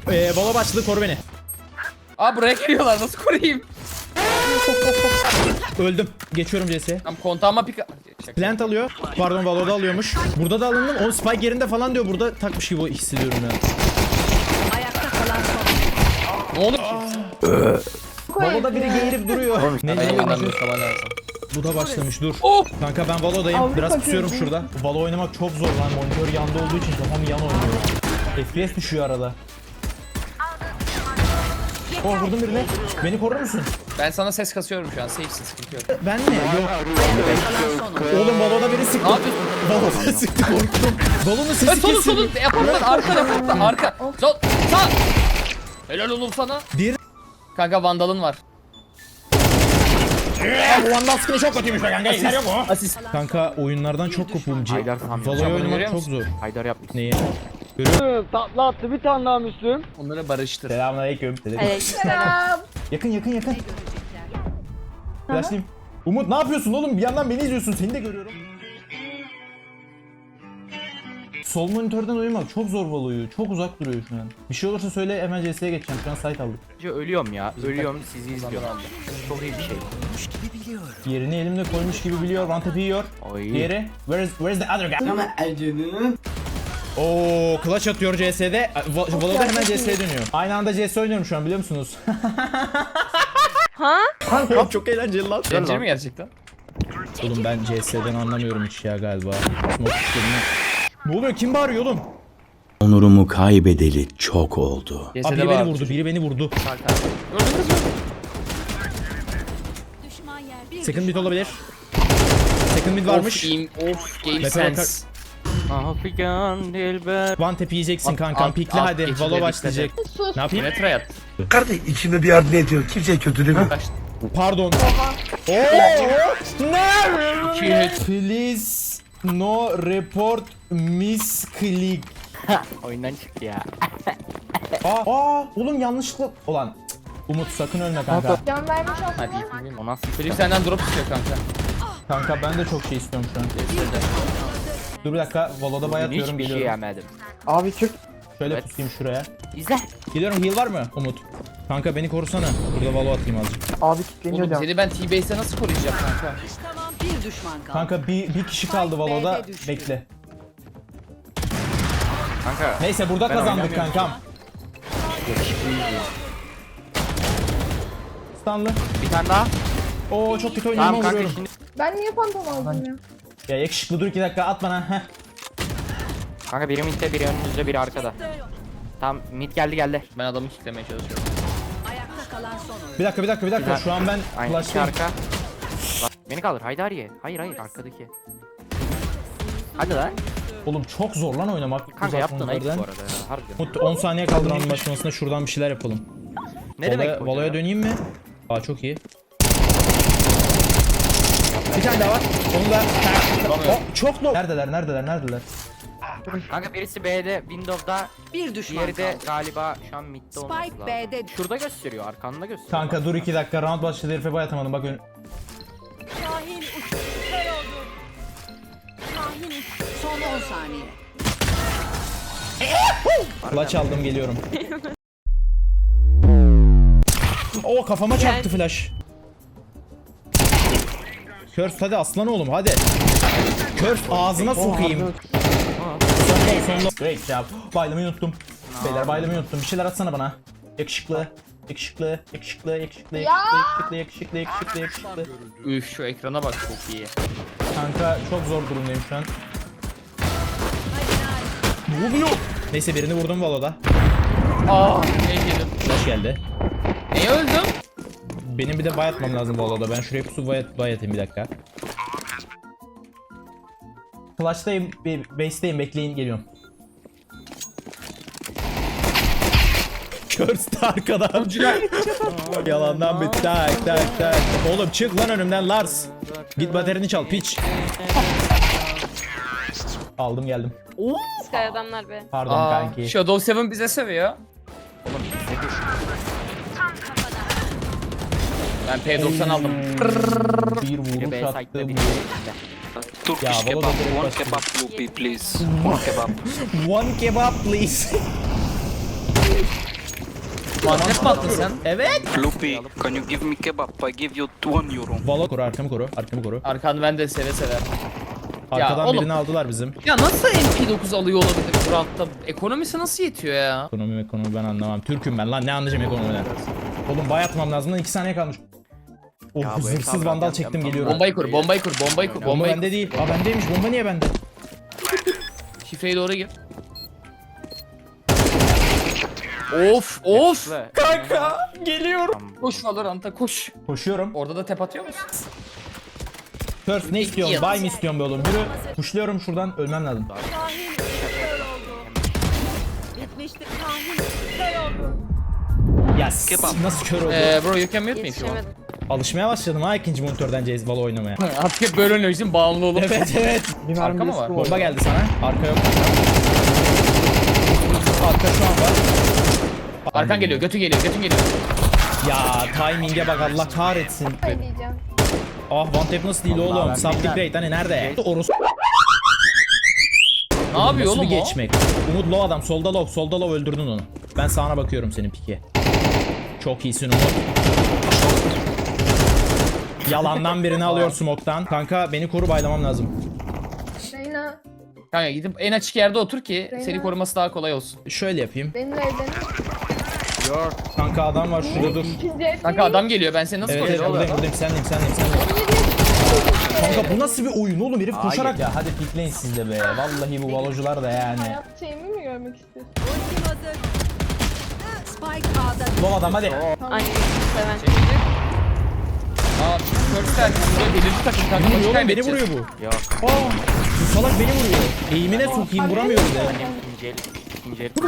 Valo başladı, koru beni. Aa buraya geliyorlar, nasıl koruyayım? Öldüm. Geçiyorum CS'ye. Tam kontağıma pika... Plant alıyor. Pardon, Valo'da alıyormuş. Burada da alındım. O spike yerinde falan diyor. Burada takmış gibi hissediyorum ya. Ayakta kalan son. Ne oldu ki? Valo'da biri geğirip duruyor. Ne Benim diyor? adamım falan lazım. Bu da başlamış, dur. Oh! Kanka ben Valo'dayım. Biraz pusuyorum şurada. Valo oynamak çok zor lan. Monitör yanda olduğu için kafam yan oynuyor. FPS düşüyor arada. Oh, vurdum birine. Beni korur musun? Ben sana ses kasıyorum şu an, safe'sin, sıkıntı yok. Ben mi? Yok. Oğlum Valo'da biri sıktı. Ne yapıyorsun? Valo'da sıktı, korktum. Valo'nun sesi Solun kesildi. solun, yaparlar, arka, arka. Sol, sağ. Helal oğlum sana. Bir. Kanka vandalın var. Bu Vandal skin'i çok kötüymüş be kanka. İşler yok mu? Asist. Kanka oyunlardan çok kopuğum. Haydar tam Valo'yu Görüyor oynamak çok musun? zor. Haydar yapmış. Neyi? Tatlı attı bir tane daha Müslüm. Onları barıştır. Selamünaleyküm. Aleykümselam. Yakın. Flashlayayım. Umut ne yapıyorsun oğlum? Bir yandan beni izliyorsun. Seni de görüyorum. Sol monitörden oynamak çok zor Valo'yu. Çok uzak duruyor şu an. Bir şey olursa söyle, hemen CS'ye geçeceğim. Şu an site aldık. Bence ölüyorum ya. Ölüyorum, sizi izliyorum. Çok iyi bir şey. Yerini elimde koymuş gibi biliyor. One tap'i yiyor. Oy. Diğeri. Where's the other guy? Oo, clutch atıyor CS'de. Valo'da hemen CS'ye dönüyor. Aynı anda CS oynuyorum şu an, biliyor musunuz? Ha? Kanka çok eğlenceli lan. Eğlenceli mi gerçekten? Oğlum ben CS'den anlamıyorum hiç ya galiba. Ne oluyor? Kim bağırıyor oğlum? Onurumu kaybedeli çok oldu. Abi CS'de biri var. beni vurdu, biri beni vurdu. Gördünüz mü? Second mid olabilir. Second mid varmış. Of game Mete sense. Afrikan dilber. One tap yiyeceksin At, kankam. at, Pikle at, hadi. geçide Valo dikkat başlayacak. Ne yapayım? Yine try at. Kardeş içinde bir yardım ediyor. Kimseye kötülemiyor. Pardon. Oo! Ne? Please no report misclick. Oyundan çıktı ya. Aa, oğlum yanlışlıkla. Ulan cık. Umut sakın ölme kanka. Can vermiş olsun. Hadi iyi filmim. O nasıl? Çocuk senden drop istiyor kanka. Kanka ben de çok şey istiyorum şu an. Dur bir dakika. Valo'da bayatıyorum, Hiçbir şey geliyorum. yemedim. Abi çık. Şöyle Evet. pusayım şuraya. İzle. Geliyorum, heal var mı Umut? Kanka beni korusana. Burada Valo atayım azıcık. Abi kilitleniyor Oğlum can. seni ben T-Base'e nasıl koruyacağım kanka? Tamam, bir düşman kaldı. Kanka bir kişi kaldı Valo'da. B'de düştü. Bekle. Kanka. Neyse burada Ben kazandık oynamıyorum. kankam. Stanlı. Bir tane daha. Oo çok kötü oynuyorum Tamam ama kanka vuruyorum. şimdi. Ben niye fantom aldım ya? Ya yakışıklı dur 2 dakika at bana. Heh. Kanka biri midde, biri önünüzde, biri arkada. Tam mid geldi. Ben adamı kitlemeye çalışıyorum. Ayakta kalan son oyun. Bir dakika. Şu an ben Aynı iki flash'tayım. arka. Bak, beni kaldır. Haydariye. Hayır arkadaki. Hadi lan. Oğlum çok zor lan oynamak. Kanka uzak yaptın ayıp bu monitörden. arada ya. Harbiden. Umut 10 saniye kaldı round başlamasında, şuradan bir şeyler yapalım. Ne demek bu? Valo'ya ya? döneyim mi? Aa çok iyi. Bir tane daha var. Onu da çok low. Neredeler? Kanka birisi B'de, Windows'da, Bir düşman diğeri de kaldı. galiba şu an midde olması Spike lazım. B'de. Şurada gösteriyor, arkanda gösteriyor. Kanka dur 2 dakika, round başladı, herife bayatamadım bak Şahin uçtu. Kör oldu. Şahin uçtu. Son 10 saniye. Flash aldım, geliyorum. Oo kafama çarptı flash. Curse hadi aslan oğlum hadi. Curse ağzına sokayım. Sonunda. Great job. Baylamayı unuttum. Beyler baylamayı unuttum. Bir şeyler atsana bana. Yakışıklı. Üf şu ekrana bak, çok iyi. Kanka çok zor durumdayım şu an. Ne oluyor? Neyse birini vurdum Valo'da. Aa ne yedim. Flash geldi. Neye öldüm? Benim bir de buy atmam lazım Valo'da. Ben şuraya pusu buy atayım bir dakika. Flash'tayım, base'teyim, bekleyin geliyorum. Curse arkadan. Yalandan bir tak. Oğlum çık lan önümden Lars. Git baterini çal piç. Aldım geldim. Sky adamlar be. Pardon Aa, kanki. Shadow 7 bize sövüyor. Ben P90 aldım. Bir Biri vuruş B site'de, attım. biri B'de. Ya Valo da direkt başladı. One kebab please. Mantep mi attın sen? Evet. Lupi, can you give me kebab? I give you 1 euro. Valo koru, arkamı koru, arkamı koru. Arkanı ben de seve seve. Arkadan oğlum. birini aldılar bizim. Ya nasıl MP9 alıyor olabilir bu rahatta? Ekonomisi nasıl yetiyor ya? Ekonomi ben anlamam. Türk'üm ben lan, ne anlayacağım ekonomiden. Oğlum bay atmam lazım lan, 2 saniye kalmış. Oh, Ya bu zırhsız hesabı vandal yapacağım, çektim, yapmam geliyorum. Bombayı kur, bombayı kur, bombayı kur, Bomba bombayı kur. bende değil. Aa bendeymiş, bomba niye bende? Şifreye doğru gir. Of of. Kanka geliyorum. Koş Valorant'a koş. Koşuyorum. Orada da tep atıyor musun? First ne istiyorsun? Yıldız. Buy mi istiyorsun be oğlum? Yürü. Kuşluyorum şuradan, ölmem lazım. Şahin kör oldu. Bitmiştir. Şahin kör oldu. Ya nasıl kör oldu? Bro you can mute me if you want. Yetişemedim. Alışmaya başladım ha ikinci monitörden Valo oynamaya. Artık hep böyle oynuyorsun bağımlı olup. Evet evet. Bir mermi Arka mı riski var? Bomba geldi sana. Arka yok. Arka şu an var. Arkan geliyor, götün geliyor, götün geliyor. Ya timing'e bak, Allah kahretsin. Ne diyeceğim? Ah one tap nasıl değil oğlum? Subtip rate hani nerede? Orası Ne yapıyor nasıl bir oğlum o? geçmek? Umut low adam, solda low öldürdün onu. Ben sağına bakıyorum senin pike. Çok iyisin Umut. Yalandan birini alıyor smoke'tan. Kanka beni koru, baylamam lazım. Reyna, Kanka gidip en açık yerde otur ki Reyna. seni koruması daha kolay olsun. Şöyle yapayım. benimle evlenir. Kanka adam var şurada, dur. İkinci ev Kanka adam geliyor, ben seni nasıl Evet evet koruyacağım? buradayım sendeyim. Kanka bu nasıl bir oyun oğlum, herif koşarak. Ya hadi pikleyin siz de be. Vallahi bu valocular da yani. hayat şeyimi mi görmek istiyorsun? Ultim hazır. Spike A'da. Low adam hadi. Aynı seven. Aa, first time buraya delirdi takım kanka. Beni maçı vuruyor oğlum, beni kaybedeceğiz. vuruyor bu. Yok. Aa, bu salak beni vuruyor. Eğimine sokayım, vuramıyor bir de. İkinci el. İkinci el.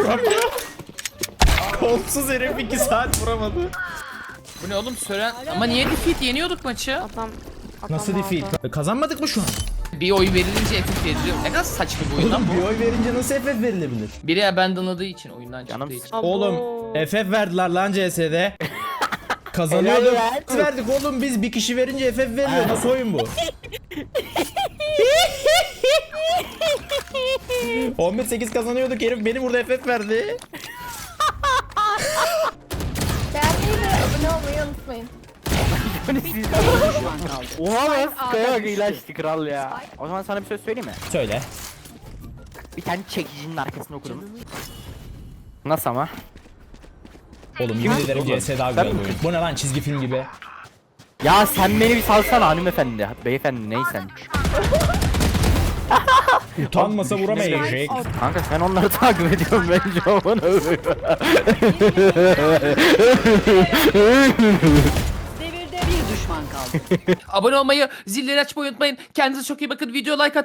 Kolsuz herif 2 saat vuramadı. Bu ne oğlum Sören? Ama niye defeat yeniyorduk maçı? Adam Nasıl aldı. defeat? Kazanmadık mı şu an? Bir oy verilince FF veriliyor. Ne kadar saçma bir oyun lan Oğlum bir bu. oy verince nasıl FF verilebilir? Biri abandonladığı için, oyundan Canım çıktığı için. Abo. Oğlum FF verdiler lan CS'de. Kazanıyorduk. Biz verdik oğlum, biz bir kişi verince FF veriyor. Nasıl oyun bu? 11-8 kazanıyorduk, herif beni burada FF verdi. Beğenmeyi ve abone olmayı unutmayın. Oha lan. Kaya bak ilaçtı kral ya. O zaman sana bir söz söyleyeyim mi? Söyle. Bir tane çekicinin arkasını okudum. Nasıl ama? Oğlum yemin ederim CS daha güzel bir oyun. Bu ne lan, çizgi film gibi. Ya sen beni bir salsana hanımefendi. Beyefendi neysen. Utanmasa vuramayacak. Kanka sen onları takip ediyorsun bence aman Devirde bir düşman kaldı. Abone olmayı, zilleri açmayı unutmayın. Kendinize çok iyi bakın. Video like